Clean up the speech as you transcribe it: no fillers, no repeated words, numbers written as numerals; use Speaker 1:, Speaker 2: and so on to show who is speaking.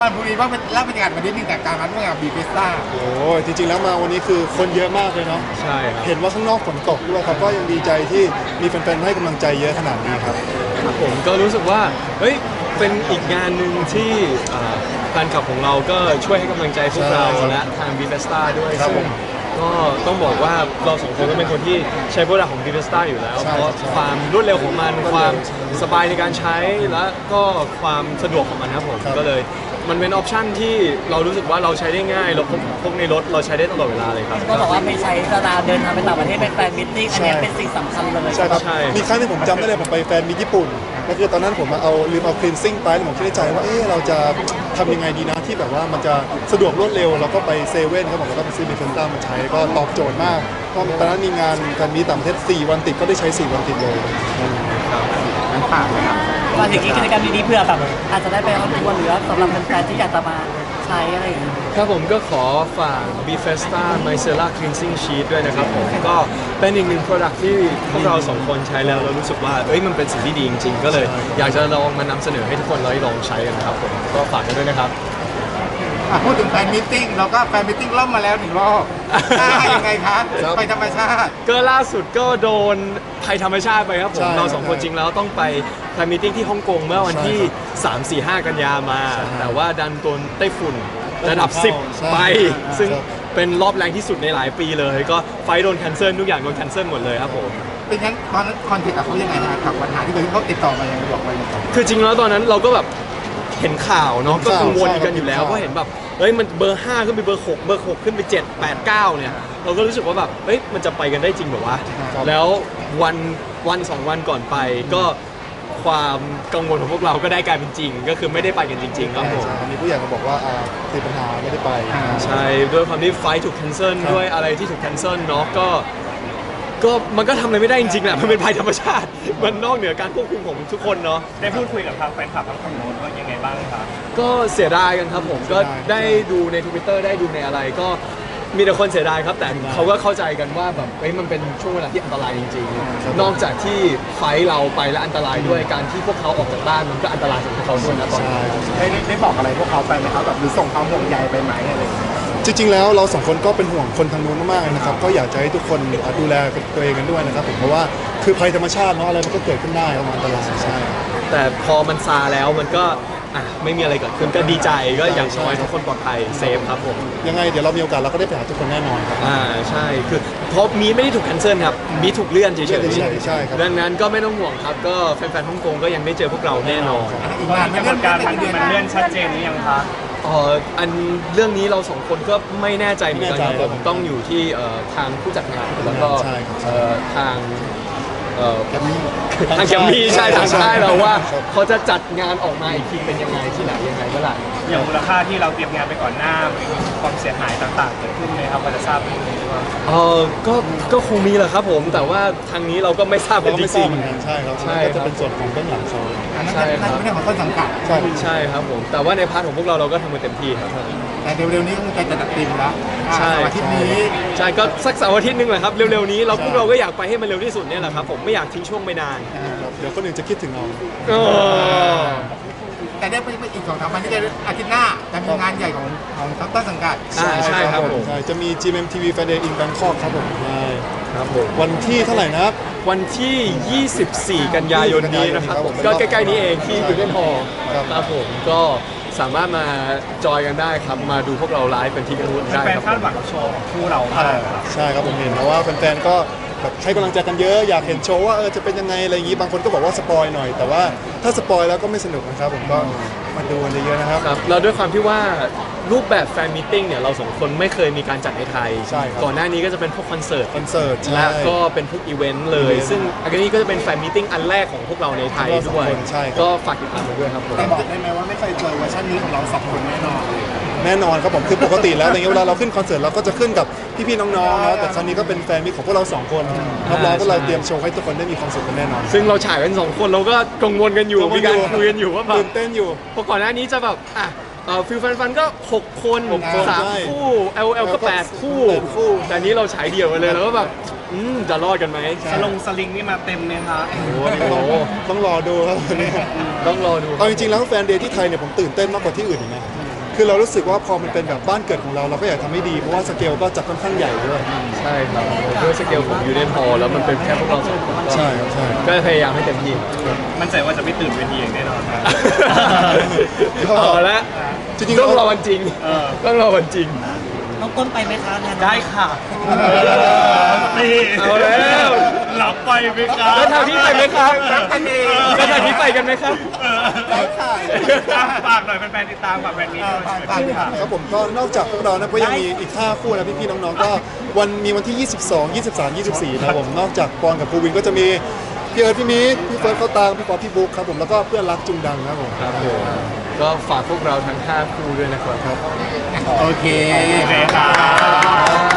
Speaker 1: วันพรุ่งนี้ว่าเป็นเล่าบรรยากาศวันนี้นึงแต่การนัดเมื่อบีเฟสต้า
Speaker 2: โอ้จริงๆแล้วมาวันนี้คือคนเยอะมากเลยเนาะ
Speaker 3: ใช่ครับ
Speaker 2: เห็นว่าข้างนอกฝนตกด้วยครับก็ยังดีใจที่มีแฟนๆให้กำลังใจเยอะขนาดนี้ครับ
Speaker 3: ผมก็รู้สึกว่าเฮ้ยเป็นอีกงานหนึ่งที่แฟนคลับของเราก็ช่วยให้กำลังใจพวกเราและทางบีเฟสต้าด้วยซึ่งก็ต้องบอกว่าเราสองคนก็เป็นคนที่ใช้โปรดักต์ของบีเฟสต้าอยู่แล้วเพราะความรวดเร็วของมันความสบายในการใช้และก็ความสะดวกของมันครับผมก็เลยมันเป็นออปชั่นที่เรารู้สึกว่าเราใช้ได้ง่ายเราพกในรถเราใช้ได้ตลอดเวลาเลยครับ
Speaker 4: ก็บอกว่าไม่ใช้เวลาเดินทางไปต่างประเทศเป็นแฟนมิตติ้งอันนี้เป็นสิ่งสำคัญเลย
Speaker 2: ใช่ครับมีครั้งที่ผมจำได้เลยผมไปแฟนมีญี่ปุ่นก็คือตอนนั้นผมลืมเอาคลีนซิ่งไปแล้วผมคิดในใจว่าเราจะทำยังไงดีนะที่แบบว่ามันจะสะดวกรวดเร็วเราก็ไปเซเว่นครับผมแล้วก็ไปซื้อบีเฟนต้ามาใช้ก็ตอบโจทย์มากเพราะตอนนั้นมีงานแฟนมีต่างประเทศ4 วันติดก็ได้ใช้4 วันติดเลย
Speaker 1: นั้นฝากเลยครับ
Speaker 4: ว่าอย่างนี้กิจกรรมดีๆเพื่อแบบอาจจะได้ไปออนทัวร์หรือสำหรับแฟนๆที่อยากจะมาใช้อะไรอย่างนี้
Speaker 3: ครับผมก็ขอฝาก Bifesta Micellar Cleansing Sheet ด้วยนะครับผมก็เป็นอีกหนึ่ง product ที่พวกเราสองคนใช้แล้วเรารู้สึกว่ามันเป็นสิ่งที่ดีจริงๆก็เลยอยากจะลองมานำเสนอให้ทุกคนลองใช้กันนะครับผมก็ฝากกันด้วยนะครับ
Speaker 1: พูดถึงแฟนมิทติ้งเราก็แฟนมิทติ้งล่มมาแล้ว1 รอบยังไงคะไปธรรมชาติ
Speaker 3: ก็ล่าสุดก็โดนภัยธรรมชาติไปครับผมเราสองคนจริงแล้วต้องไปแฟนมิทติ้งที่ฮ่องกงเมื่อวันที่3 4 5 กันยามาแต่ว่าดันโดนไต้ฝุ่นระดับ10ไปซึ่งเป็นรอบแรงที่สุดในหลายปีเลยก็ไฟโดนแคนเซิลทุกอย่างโดนแคนเซิลหมดเลยครับผม
Speaker 1: เป็นงั้นตอนนั้นคอนเทนต์กับเขายังไงนะครับปัญหาที่เขาติดต่อมายังไงบอกไป
Speaker 3: คือจริงแล้วตอนนั้นเราก็แบบเห็นข่าวเนาะก็กังวลกันอยู่แล้วเพราะเห็นแบบมันเบอร์5ขึ้นไปเบอร์6เบอร์6ขึ้นไป7 8 9เนี่ยเราก็รู้สึกว่าแบบมันจะไปกันได้จริงเหรอวะแล้ววัน2 วันก่อนไปก็ความกังวลของพวกเราก็ได้กลายเป็นจริงก็คือไม่ได้ไปกันจริงๆครับผม
Speaker 2: มีผู้ใหญ่มาบอกว่าติดปัญหาไม่ได้ไป
Speaker 3: ใช่ด้วยความที่ไฟถูกแคนเซิลด้วยอะไรที่ถูกแคนเซิลเนาะก็มันก็ทำอะไรไม่ได้จริงๆแหละมันเป็นภัยธรรมชาติมันนอกเหนือการควบคุมของทุกคนเนาะ
Speaker 5: ได้พูดคุยกับทางแฟนคลับทางฝั่งโน้นว่ายังไงบ้างครับ
Speaker 3: ก็เสียดายกันครับผมก็ได้ดูใน Twitter ได้ดูในอะไรก็มีแต่คนเสียดายครับแต่เขาก็เข้าใจกันว่าแบบมันเป็นช่วงเวลาที่อันตรายจริงๆนอกจากที่ไฟเราไปและอันตรายด้วยการที่พวกเขาออกจากบ้านมันก็อันตรายสำหรับเขาด้วยนะตอนนี้
Speaker 1: ได้บอกอะไรพวกเขาไปไหมครับแบบหรือส่งความห่วงใยไปไหมอะไร
Speaker 2: จริงๆแล้วเรา2 คนก็เป็นห่วงคนทางนู้นมากๆนะครับก็อยากจะให้ทุกคนดูแลตัวเองกันด้วยนะครับผมเพราะว่าคือภัยธรรมชาติเนาะอะไรมันก็เกิดขึ้นได้อันตรายใช่
Speaker 3: แต่พอมันซาแล้วมันก็ไม่มีอะไรเกิดขึ้นก็ดีใจก็อย่างน้อยทุกคนปลอดภัยเซฟครับผม
Speaker 2: ยังไงเดี๋ยวเรามีโอกาสเราก็ได้ไปหาทุกคนแน่นอนครับ
Speaker 3: ใช่คือเพราะมีไม่ได้ถูกแคนเซิลครับมีถูกเลื่อนเฉย
Speaker 2: ๆใช่ครับ
Speaker 3: ดังนั้นก็ไม่ต้องห่วงครับก็แฟนๆฮ่องกงก็ยังได้เจอพวกเราแน่นอน
Speaker 5: กำหนดการมันเลื่อนชัดเจนหรือยังคะ
Speaker 3: อันเรื่องนี้เราสองคนก็ไม่แน่ใจเหมือนกันครับผมต้องอยู่ที่ทางผู้จัดงานแล้วก็ทางแกมมี่ใช่ทางค่ายเราว่าเขาจะจัดงานออกมาอีกทีเป็นยังไงที่ไหนยังไงเมื่อไหร่
Speaker 5: อย่างมูลค่าที่เราเตรียมงานไปก่อนหน้าความเสียหายต่างๆเกิดขึ้นไหมครับพอจะทราบไหม
Speaker 3: ก็คงมีแหละครับผมแต่ว่าทางนี้เราก็ไม่ทราบกันจริง
Speaker 2: ๆใช่ครับก็จะเป็นส่วนของเบื้องหลังโชว์
Speaker 1: ใช่ครับไม่ได้ของต้นสังกัด
Speaker 3: ใช่ครับผมแต่ว่าในพาร์ทของพวกเราก็ทำกันเต็มที่ครับ
Speaker 1: แต่เร็วๆนี้ก็จะจัดทีมแล้ว
Speaker 3: ใช่
Speaker 1: อาทิตย์นี้
Speaker 3: ใช่ก็สักเสาร์อาทิตย์นึงแหละครับเร็วๆนี้พวกเราก็อยากไปให้มันเร็วที่สุดเนี่ยแหละครับผมไม่อยากทิ้งช่วงไปนาน
Speaker 2: เดี๋ยวคนอื่นจะคิดถึงเรา
Speaker 1: แต่ได้ไปอีก2-3 วันที่อาทิตย์หน้าจะมีงานใหญ่ของต้นสังกัด
Speaker 3: ใช่ครับผม
Speaker 2: จะมี GMMTV Friday in Bangkok ครับผมใช่
Speaker 3: ครับผม
Speaker 2: วันที่เท่าไหร่นะครับ
Speaker 3: วันที่ 24 กันยายนนี้นะครับผมก็ใกล้ๆนี้เองที่ยูเดนฮอลล์ครับผมก็สามารถมาจอยกันได้ครับมาดูพวกเราไลฟ์เป็นที่กันรู้ได้
Speaker 5: ครับแฟนคาดหวังกับโชว์คู่เรามาก
Speaker 2: ใช่ครับผมเห็นเพราะว่าแฟนๆก็แบบให้กำลังใจกันเยอะอยากเห็นโชว์ว่าจะเป็นยังไงอะไรอย่างนี้บางคนก็บอกว่าสปอยหน่อยแต่ว่าถ้าสปอยแล้วก็ไม่สนุกนะครับผมก็มาดูกันเยอะๆนะครับ
Speaker 3: เราด้วยความที่ว่ารูปแบบแฟนมิทติ้งเนี่ยเราสองคนไม่เคยมีการจัดในไทยก่อนหน้านี้ก็จะเป็นพวกคอนเสิร์ตและก็เป็นพวกอีเวนต์เลยซึ่งอันนี้ก็จะเป็นแฟนมิทติ้งอันแรกของพวกเราในไทยด้วยก็ฝากติดตามกันด้วยครับผม
Speaker 1: บอกได้ไหมว่าไม่เคยเจอเวอร์ชันนี้ของเรา2 คนแน่น
Speaker 2: อนครับผมคือปกติแล้วอย่างเงี้ยเวลาเราขึ้นคอนเสิร์ตเราก็จะขึ้นกับพี่ๆน้องๆนะแต่ครั้งนี้ก็เป็นแฟนมิตรของพวกเรา2 คนรับรองว่าเราเตรียมโชว์ให้ทุกคนได้มีความสุขกันแน่นอน
Speaker 3: ซึ่งเราฉายกัน2 คนเราก็กังวลกันอยู่มีการคุยกันอยู่ว่าแบบ
Speaker 2: ตื่นเต้นอยู่
Speaker 3: เพราะก่อนหน้านี้จะแบบฟิลฟันก็6 คน3 คู่ LL ก็8 คู่แต่นี้เราฉายเดี่ยวกันเลยแล้วก็แบบจะรอดกันไหม
Speaker 5: สลิงนี่มาเต็มเลยครับ
Speaker 2: โอ้โหต้องรอดูครับวันนี้
Speaker 3: ต้องรอดู
Speaker 2: เอาจริงๆแล้วแฟนเดย์ที่ไทยเนี่ยผมตื่นเต้นมากกว่าที่อื่นอีกนะคือเรารู้สึกว่าพอมันเป็นแบบบ้านเกิดของเราเราก็อยากทำให้ดีเพราะว่าสเกลก็จัดค่อนข้างใหญ่ด้วย
Speaker 3: ใช่ครับด้วยสเกลของยูเนียนฮอลแล้วมันเป็นแค่พวกเราสองคนก็
Speaker 2: ใช่ครับใช่
Speaker 3: ก็พยายามให้เต็มที่
Speaker 5: มั่นใจว่าจะไม่ตื่นเวทีอย่างแน่นอนครับ
Speaker 3: เอาละ
Speaker 2: จริงๆ
Speaker 3: ต้องรอ
Speaker 2: เรา
Speaker 3: วันจริง
Speaker 5: เออ
Speaker 3: ต้องรอวันจริง
Speaker 4: น้องต้นไปไหมคะงาน
Speaker 5: ได้ค่ะนี่
Speaker 3: เอาแล้ว
Speaker 5: รับไปไหมครับ
Speaker 3: แล้วทางพี่ไปไหมครับ
Speaker 1: รับกันเอง
Speaker 3: แล้วทางพี่ไปกันไหมครับ
Speaker 1: ได้ค่ะ
Speaker 5: ฝากหน่อยแฟนๆติดตามฝากแฟนนี้ด้วย
Speaker 1: ฝากด้วยค่ะ
Speaker 2: ครับผมก็นอกจากพวกเรานะก็ยังมีอีก5คู่นะพี่ๆน้องๆก็มีวันที่ 22 23 24นะครับผมนอกจากปอนกับภูวินก็จะมีพี่เอิร์ธพี่มีทพี่เฟิร์สเขาตางพี่ป๊อปพี่บุ๊คครับผมแล้วก็เพื่อนรักจุงดังครับผม
Speaker 3: ครับผมก็ฝากพวกเราทั้ง5คู่ด้วยนะครับ
Speaker 1: โอเค
Speaker 5: โอเคครับ